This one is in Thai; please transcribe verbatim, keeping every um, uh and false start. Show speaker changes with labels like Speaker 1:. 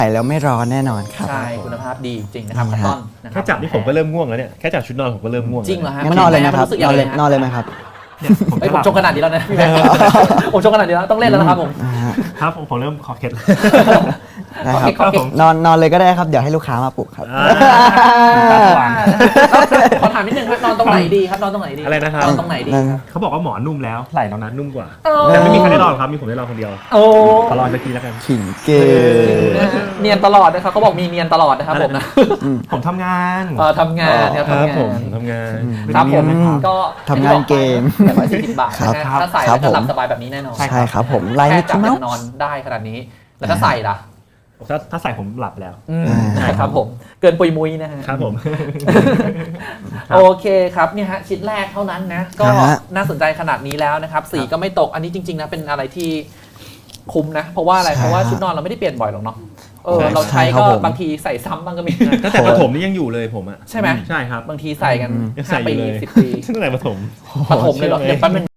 Speaker 1: ใส่แล้วไม่ร้อนแน่นอนครับ
Speaker 2: ใช่คุณภาพดีจริงนะครับต้นนะครั
Speaker 3: แค่จับนี่ผมก็เริ่มง่วงแล้วเนี่ยแค่จับชุดนอนผมก็เริ่มง่วง
Speaker 2: จริงเหรอฮะ
Speaker 1: งั้นนอนเลยนะครับ
Speaker 2: รู้สึก
Speaker 1: น
Speaker 2: ยั
Speaker 1: อง น
Speaker 2: ไง
Speaker 1: เลยนอนเลยไหมครับ
Speaker 3: เนี่ยผม
Speaker 2: เฮ้ย
Speaker 3: จะ
Speaker 2: ผ
Speaker 3: ห
Speaker 2: ม
Speaker 3: ลับ
Speaker 2: ชงขนาดนี้แล้วนะผมชงขนาดนี้แล้วต้องเล่นแล้วนะครับผม
Speaker 1: อ่าฮะ
Speaker 3: ครับผมผมเริ่มคอเคล็ดแล้ว
Speaker 1: ได้ครับ
Speaker 2: โอเคโอเค
Speaker 1: นอนนอนเลยก็ได้ครับเดี๋ยวให้ลูกค้ามาปลุกครับ
Speaker 3: อ่าตาสว่าง
Speaker 2: ขอถามนิดนึงครับนอนตรงไหนดีครับนอนตรงไหนดี
Speaker 3: อะไรนะครับ
Speaker 2: นอนตรงไหนดีครับ
Speaker 3: เขาบอกว่าหมอนนุ่มแล้วไหล่เรานั้นนุ่มกว่า
Speaker 2: โอ้
Speaker 3: แต่ไม่มีใครได้ลองครับมีผมได้ลองคนเดียว
Speaker 2: โอ้
Speaker 3: ขอลองสักทีแล้วกัน
Speaker 1: ขิงเก่ง
Speaker 2: นะฮะเนียนตลอดนะครับเขาบอกมีเนียนตลอดนะครับผมนะ
Speaker 3: ผมทำงาน
Speaker 2: เออทำงานครับ
Speaker 3: ครับ
Speaker 2: ทำงา
Speaker 3: ผม
Speaker 2: น
Speaker 3: ทำงาน
Speaker 2: ครับผม
Speaker 3: เป็นเนียนนะครับ
Speaker 2: ก็
Speaker 1: ทำงานเกม
Speaker 2: แปดร้อยสี่สิบบาทนะฮะ
Speaker 1: ครับ
Speaker 2: ถ้าใส่
Speaker 1: ครั
Speaker 2: แล้ว
Speaker 1: บ
Speaker 2: จะหลับ
Speaker 1: ผม
Speaker 2: สบายแบบนี้แน่นอน
Speaker 3: ใช่
Speaker 1: ใช่ครับผมลาย
Speaker 2: แค่
Speaker 1: มิก
Speaker 2: จับ
Speaker 1: กี้เมา
Speaker 2: จะ
Speaker 1: ส์
Speaker 2: นอนได้ขนาดนี้ แล้วถ้าใส่ล่ะ
Speaker 3: ถ้าถ้าใส่ผมหลับแล้ว
Speaker 2: อืม
Speaker 1: อ่า
Speaker 2: ครับผมเกินปุยมุยนะฮะ
Speaker 3: ครับผม
Speaker 2: โอเคครับเนี่ยฮะชิ้นแรกเท่านั้นนะก็
Speaker 1: นะฮะ
Speaker 2: น่าสนใจขนาดนี้แล้วนะครับสีก็ไม่ตกอันนี้จริงๆนะเป็นอะไรที่คุ้มนะ เพราะว่าอะไรเพราะว่าชุดนอนเราไม่ได้เปลี่ยนบ่อยหรอกเนาะเออ
Speaker 3: ใช่
Speaker 2: เราใช้
Speaker 1: ใช่ครั
Speaker 2: ก็
Speaker 1: บผม
Speaker 2: บางทีใส่ซ้ำบ้างก็มี
Speaker 3: ตั้งแต่ประถมนี่ยังอยู่เลยผมอ่ะ
Speaker 2: ใช่ไหม
Speaker 3: ใช่ครับ
Speaker 2: บางทีใส่กัน
Speaker 3: ยัง
Speaker 2: ห้า
Speaker 3: ใส่อ
Speaker 2: ปี
Speaker 3: ยู่เลย
Speaker 2: สิบปี
Speaker 3: ตั้งแต่ประถม
Speaker 2: ปฐมเลยเหรอ
Speaker 3: เชื่อไหม
Speaker 2: เดี๋ยวแป๊บนึง